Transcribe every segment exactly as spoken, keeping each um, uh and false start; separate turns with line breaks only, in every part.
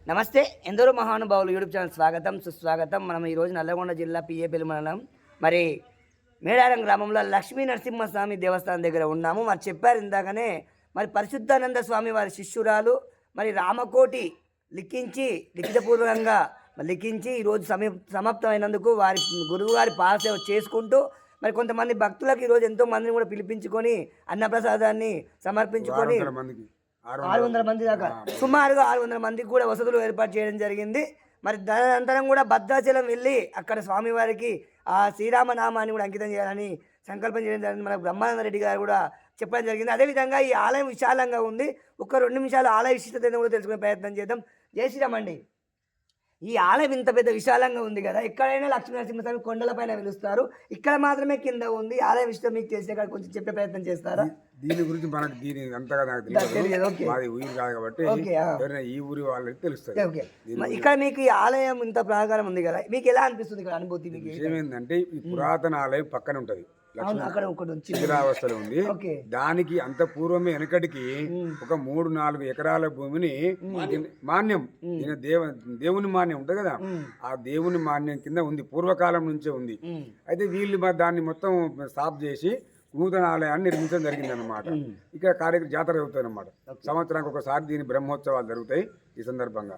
నమస్తే, ఎందరో మహానుభావులు యూట్యూబ్ ఛానల్ స్వాగతం సుస్వాగతం. మనం ఈరోజు నల్లగొండ జిల్లా పిఏపల్లి మండలం మరి మేడారం గ్రామంలో లక్ష్మీ నరసింహస్వామి దేవస్థానం దగ్గర ఉన్నాము. మరి చెప్పారు ఇందాకనే, మరి పరిశుద్ధానంద స్వామి వారి శిష్యురాలు మరి రామకోటి లిఖించి లిఖితపూర్వకంగా లిఖించి ఈరోజు సమీ సమాప్తమైనందుకు వారి గురువు గారి పాదసేవ చేసుకుంటూ మరి కొంతమంది భక్తులకు ఈరోజు ఎంతో మందిని కూడా పిలిపించుకొని అన్నప్రసాదాన్ని సమర్పించుకొని ఆరు వందల మంది దాకా సుమారుగా ఆరు వందల మందికి కూడా వసతులు ఏర్పాటు చేయడం జరిగింది. మరి దానంతరం కూడా భద్రాచలం వెళ్ళి అక్కడ స్వామివారికి ఆ శ్రీరామనామాన్ని కూడా అంకితం చేయాలని సంకల్పం చేయడం జరిగింది. మన బ్రహ్మానంద రెడ్డి గారు కూడా చెప్పడం జరిగింది. అదేవిధంగా ఈ ఆలయం విశాలంగా ఉంది. ఒక రెండు నిమిషాలు ఆలయ విశిష్టతను కూడా తెలుసుకునే ప్రయత్నం చేద్దాం. జై శ్రీరామ్ అండి. ఈ ఆలయం ఇంత పెద్ద విశాలంగా ఉంది కదా, ఎక్కడైనా లక్ష్మీ నరసింహస్వామి కొండలపైన వెలుస్తారు, ఇక్కడ మాత్రమే కింద ఉంది. ఆలయం విషయం మీకు తెలిసే కాదు, కొంచెం చెప్పే ప్రయత్నం చేస్తారా?
దీని గురించి మనకు దీని అంతగా నాకు తెలియదు, మాది ఊరు కాదు కాబట్టి ఈ ఊరి వాళ్ళకి తెలుస్తుంది.
ఇక్కడ మీకు ఈ ఆలయం ఇంత ప్రాకారం ఉంది కదా, మీకు ఎలా అనిపిస్తుంది ఇక్కడ అనుభూతి? మీకు
విషయం ఏంటంటే ఈ పురాతన ఆలయం పక్కన ఉంటది, శిథిలావస్థలో ఉంది. దానికి అంత పూర్వమే వెనకటికి ఒక మూడు నాలుగు ఎకరాల భూమిని మాన్యం ఈయన దేవ దేవుని మాన్యం ఉంటుంది కదా, ఆ దేవుని మాన్యం కింద ఉంది, పూర్వకాలం నుంచే ఉంది. అయితే వీళ్ళు దాన్ని మొత్తం సాఫ్ చేసి నూతన ఆలయాన్ని నిర్మించడం జరిగింది అనమాట. ఇక్కడ కార్యక్రమం జాతర జరుగుతుంది అనమాట. సంవత్సరానికి ఒకసారి దీని బ్రహ్మోత్సవాలు జరుగుతాయి. ఈ సందర్భంగా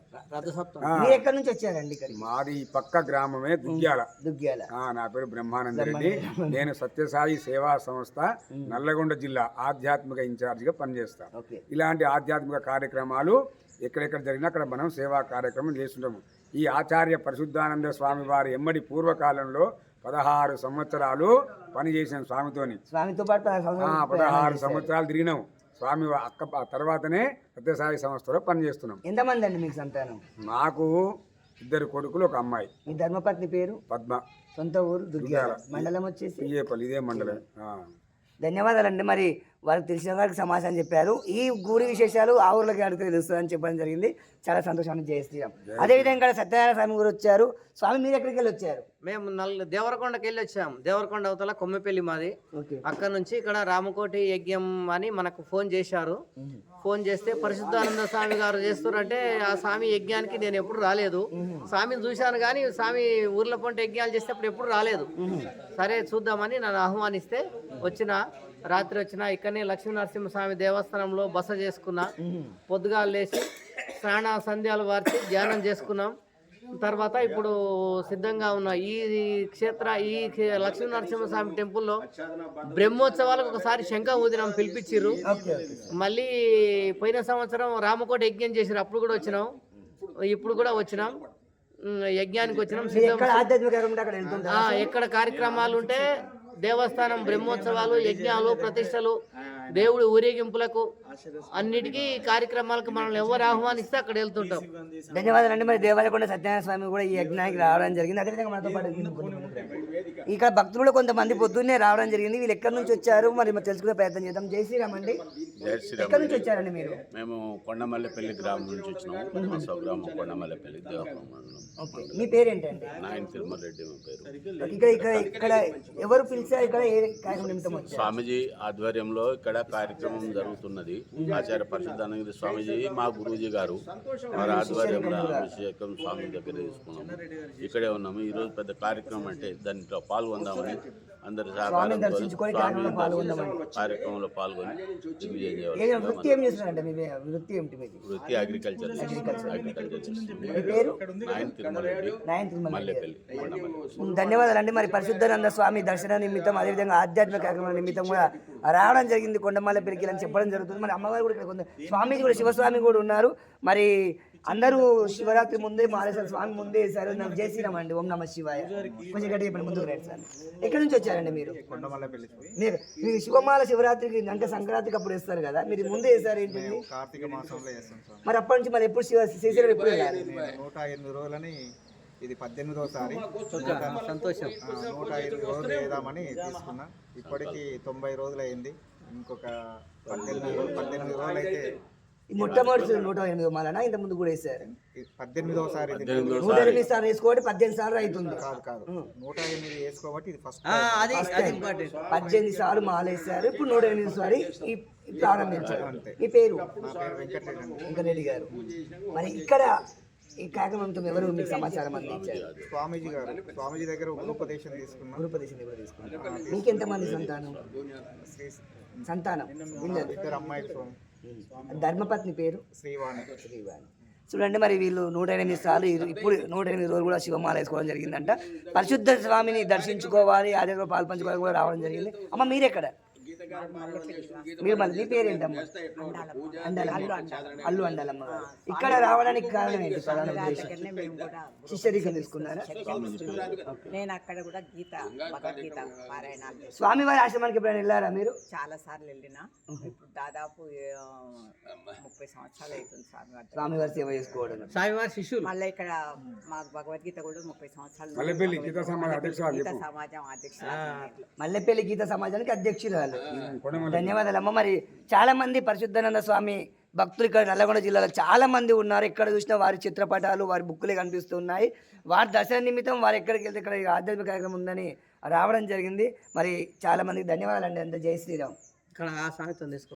ఎక్కడి నుంచి వచ్చారండి?
మాది పక్క గ్రామమే దుగ్గ్యాల. దుగ్గ్యాల నా పేరు బ్రహ్మానంద రెడ్డి. నేను సత్యసాయి సేవా సంస్థ నల్లగొండ జిల్లా ఆధ్యాత్మిక ఇన్ఛార్జిగా పనిచేస్తాను. ఇలాంటి ఆధ్యాత్మిక కార్యక్రమాలు ఎక్కడెక్కడ జరిగినా అక్కడ మనం సేవా కార్యక్రమం చేస్తుంటాము. ఈ ఆచార్య పరిశుద్ధానంద స్వామి వారి ఎమ్మడి పూర్వకాలంలో పదహారు సంవత్సరాలు పనిచేసాం స్వామితోని. స్వామితో పాటు పదహారు సంవత్సరాలు తిరిగినాం. స్వామి అక్క తర్వాతనే సత్యసాయి సంస్థలో పనిచేస్తున్నాం.
ఎంతమంది అండి మీకు సంతానం?
మాకు ఇద్దరు కొడుకులు, ఒక అమ్మాయి.
మీ ధర్మపత్ని పేరు?
పద్మ.
సొంత ఊరు దుర్గాల, మండలం వచ్చేసి
పిఏపల్లి, ఇదే మండలం.
ధన్యవాదాలండి. మరి వారికి తెలిసిన వారికి సమాచారం చెప్పారు. ఈ గుడి విశేషాలు ఆ ఊర్లోకి అడిగితే తెలుస్తుందని చెప్పడం జరిగింది. చాలా సంతోషాన్ని జయ శ్రీరామ్. అదేవిధంగా సత్యనారాయణ స్వామి గారు వచ్చారు. స్వామి మీరు ఎక్కడికి వెళ్ళి వచ్చారు?
మేము నల్ దేవరకొండకి వెళ్ళి వచ్చాం. దేవరకొండ అవతల కొమ్మెపల్లి మాది. అక్కడ నుంచి ఇక్కడ రామకోటి యజ్ఞం అని మనకు ఫోన్ చేశారు. ఫోన్ చేస్తే పరిశుద్ధానంద స్వామి గారు చేస్తున్నారంటే ఆ స్వామి యజ్ఞానికి నేను ఎప్పుడు రాలేదు. స్వామిని చూశాను కానీ స్వామి ఊర్ల పొంట యజ్ఞాలు చేస్తే అప్పుడు ఎప్పుడు రాలేదు. సరే చూద్దామని నన్ను ఆహ్వానిస్తే వచ్చిన రాత్రి వచ్చిన ఇక్కడనే లక్ష్మీ నరసింహస్వామి దేవస్థానంలో బస చేసుకున్నా. పొద్దుగా లేచి స్నాన సంధ్యాలు వార్చి ధ్యానం చేసుకున్నాం. తర్వాత ఇప్పుడు సిద్ధంగా ఉన్న ఈ క్షేత్ర ఈ లక్ష్మీ నరసింహస్వామి టెంపుల్లో బ్రహ్మోత్సవాలకు ఒకసారి శంఖ ఊదినాం, పిలిపించారు. మళ్ళీ పోయిన సంవత్సరం రామకోట యజ్ఞం చేసారు, అప్పుడు కూడా వచ్చినాం. ఇప్పుడు కూడా వచ్చినాం, యజ్ఞానికి వచ్చినాం. ఎక్కడ కార్యక్రమాలు ఉంటే దేవస్థానం బ్రహ్మోత్సవాలు, యజ్ఞాలు, ప్రతిష్టలు, దేవుడి ఊరేగింపులకు అన్నిటికీ కార్యక్రమాలకు మనల్ని ఎవరు ఆహ్వానిస్తే అక్కడ వెళ్తుంటాం.
ధన్యవాదాలు అండి. మరి దేవాలయకొండ సత్యనారాయణ స్వామి కూడా ఈ యజ్ఞానికి రావడం జరిగింది. అదేవిధంగా మనతో పాటు ఇక్కడ భక్తులు కొంతమంది పొద్దున్నే రావడం జరిగింది. వీళ్ళు ఎక్కడి నుంచి వచ్చారు మరి తెలుసుకునే ప్రయత్నం చేద్దాం. జై శ్రీరామ్ అండి. ఎక్కడి నుంచి వచ్చారండి మీరు?
మేము కొండమల్లెపల్లి గ్రామం నుంచి వచ్చినాము. స్వగ్రామం కొండమల్లెపల్లి, దేవరకొండ మండలం.
మీ పేరేంటండి?
నాయన తిరుమల రెడ్డి మా పేరు.
ఇక్కడ ఇక్కడ ఇక్కడ ఎవరు పిలిచారు? ఇక్కడ ఏ కార్యక్రమం నిమిత్తం వచ్చారు?
స్వామిజీ ఆధ్వర్యంలో ఇక్కడ కార్యక్రమం జరుగుతున్నది. ఆచార్య పరిశుద్ధానంద స్వామిజీ మా గురూజీ గారు వారి ఆధ్వర్యంలో అభిషేకం స్వామి దగ్గర తీసుకున్నాము. ఇక్కడే ఉన్నాము. ఈ రోజు పెద్ద కార్యక్రమం అంటే దాంట్లో పాల్గొందామని అందరి సహకారంతో కార్యక్రమంలో పాల్గొని వృత్తి అగ్రికల్చర్ మల్లెపల్లి.
ధన్యవాదాలు అండి. మరి పరిశుద్ధానంద స్వామి దర్శన నిమిత్తం అదేవిధంగా ఆధ్యాత్మిక కార్యక్రమం నిమిత్తం కూడా రావడం జరిగింది కొండమల్లెపల్లికి అని చెప్పడం జరుగుతుంది. మరి అమ్మగారు కూడా ఇక్కడ స్వామి కూడా శివస్వామి కూడా ఉన్నారు. మరి అందరూ శివరాత్రి ముందే మాలేశ్వర స్వామి ముందే వేశారు. నాకు జై శ్రీరామ్ అండి. ఓం నమ శివాయ. కొంచెం గట్టి చెప్పండి, ముందుకు రండి సార్. ఎక్కడి నుంచి వచ్చారండి మీరు? మీరు మీరు శివమాల శివరాత్రికి అంటే సంక్రాంతికి అప్పుడు వేస్తారు కదా, మీరు ముందే వేసారు ఏంటి?
కార్తీక మాసంలో వేస్తాం సార్.
మరి అప్పటి నుంచి మరి ఎప్పుడు శివ శ్రీశైలం ఎప్పుడు వెళ్ళాలి?
నూట ఎనిమిది రోజులని ఇది పద్దెనిమిదోసారి.
సంతోషం.
నూట ఎనిమిది రోజులు వేద్దామని తీసుకున్నా. ఇప్పటికి తొంభై రోజులు అయింది. ఇంకొక పద్దెనిమిది రోజులు పద్దెనిమిది రోజులు అయితే
మొట్టమొదటి నూట ఎనిమిది మాలనా ఇంత ముందు కూడా వేసారు?
పద్దెనిమిదోసారి.
నూట ఎనిమిది సార్లు వేసుకోబట్టి పద్దెనిమిది సార్లు అవుతుంది.
కాదు కాదు నూట ఎనిమిది వేసుకోబట్టి ఇది ఫస్ట్.
పద్దెనిమిది సార్లు మాల వేసారు, ఇప్పుడు నూట ఎనిమిది సారి ప్రారంభించారు. మీ పేరు?
నా పేరు వెంకటరెడ్డి.
వెంకటరెడ్డి గారు. మరి ఇక్కడ ఈ కార్యక్రమంతో ఎవరు మీకు సమాచారం అందించారు?
స్వామీజీ గారు స్వామీజీ దగ్గర ఉపదేశం తీసుకున్నాం.
గురుపదేశం ఎవరు తీసుకున్నారు? మీకెంతమంది సంతానం?
శ్రీ
సంతానం వీళ్ళది
ఇద్దరు అమ్మాయిలు స్వామి.
ధర్మపత్ని పేరు
శ్రీవాణి.
శ్రీవాణి. చూడండి మరి వీళ్ళు నూట ఎనిమిది సార్లు ఇరు- ఇప్పుడు నూట ఎనిమిది రోజులు కూడా శివమాల వేసుకోవడం జరిగిందంట. పరిశుద్ధ స్వామిని దర్శించుకోవాలి, ఆ దగ్గర పాలు పంచుకోవాలి కూడా రావడం జరిగింది. అమ్మ మీరెక్కడ? మీరు మళ్ళీ మీ పేరేంటమ్మా? అండాల అల్లు అండాలమ్మ. ఇక్కడ రావడానికి కారణం ఏంటి? ప్రధాన ఉద్దేశం శిష్యరికం తీసుకున్నారా?
నేను అక్కడ కూడా గీత భగవద్గీత పారాయణాలు చేస్తాను.
స్వామివారి ఆశ్రమానికి ఎప్పుడైనా వెళ్ళారా మీరు?
చాలా సార్లు వెళ్ళిన ఇప్పుడు దాదాపు ఆ, ముప్పై సంవత్సరాలు అవుతుంది స్వామి వారి దగ్గర.
స్వామివారి సేవ చేసుకోవడం.
స్వామివారి శిష్యులు
మళ్ళీ ఇక్కడ మాకు భగవద్గీత కూడా ముప్పై సంవత్సరాలు
మల్లెపల్లి గీతా సమాజం అధ్యక్షురాలు
గీత
చెప్పు.
సమాజం అధ్యక్షులు.
మల్లెపల్లి గీత సమాజానికి అధ్యక్షురాలు.
కొండమల్లి.
ధన్యవాదాలమ్మ. మరి చాలా మంది పరిశుద్ధానంద స్వామి భక్తులు ఇక్కడ నల్లగొండ జిల్లాలో చాలా మంది ఉన్నారు. ఎక్కడ చూసినా వారి చిత్రపటాలు, వారి బుక్కులే కనిపిస్తున్నాయి. వారి దర్శన నిమిత్తం వారు ఎక్కడికి వెళ్తే ఇక్కడ ఆధ్యాత్మిక కార్యక్రమం ఉందని రావడం జరిగింది. మరి చాలా మందికి ధన్యవాదాలు అండి. అంత జై శ్రీరామ్.
ఇక్కడ ఆ సామెతం తీసుకో.